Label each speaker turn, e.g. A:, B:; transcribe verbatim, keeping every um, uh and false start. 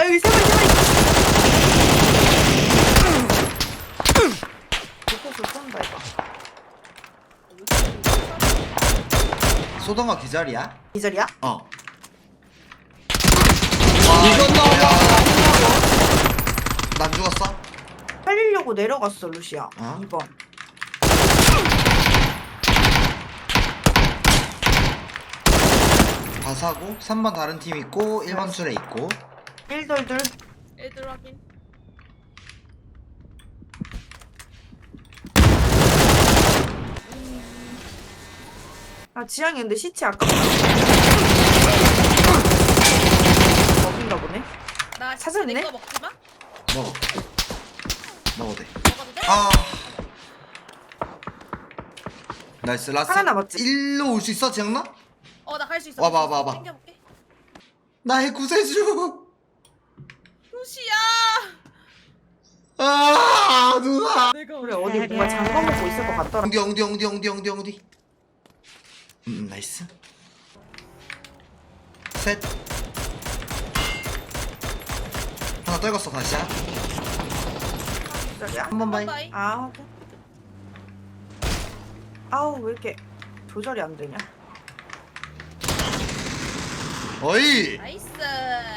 A: 여기 세 마리 세 마리. 곳곳으로 쏜다 이거.
B: 쏘던가 기절이야?
A: 기절이야?
B: 어.
C: 이건 나와.
B: 난 죽었어?
A: 살리려고 내려갔어 루시아.
B: 어?
A: 이 번.
B: 바사고 삼 번 다른 팀 있고 일 번 술에 있고.
A: 일돌둘.
D: 애들 확인.
A: 아 지향이 근데 시체 아깝다. 먹인가 보네.
D: 나
A: 찾았네?
D: 내거 먹지 마.
B: 먹어. 먹어도 돼.
D: 먹어도 돼?
B: 아. 나이스 라스.
A: 하나 남았지?
B: 일로 올 수 있어 지영나?
D: 어, 나 갈 수 있어.
B: 와봐,
D: 갈수 있어.
B: 와봐, 와봐.
D: 땡겨볼게.
B: 나의 구세주.
D: 루시야.
B: 아 누나.
D: 내가
A: 그래 어디 뭔가 잠궈 먹고 있을 것 같더라.
B: 엉디 엉디 엉디 엉디 엉디 엉디. 음 나이스. 셋. 하나 떨궜어 다시야.
A: 기절이야?
B: 한 번 봐이.
D: 바이.
A: 아 확인. 아우 왜 이렇게 조절이 안 되냐?
B: 어이.
D: 나이스.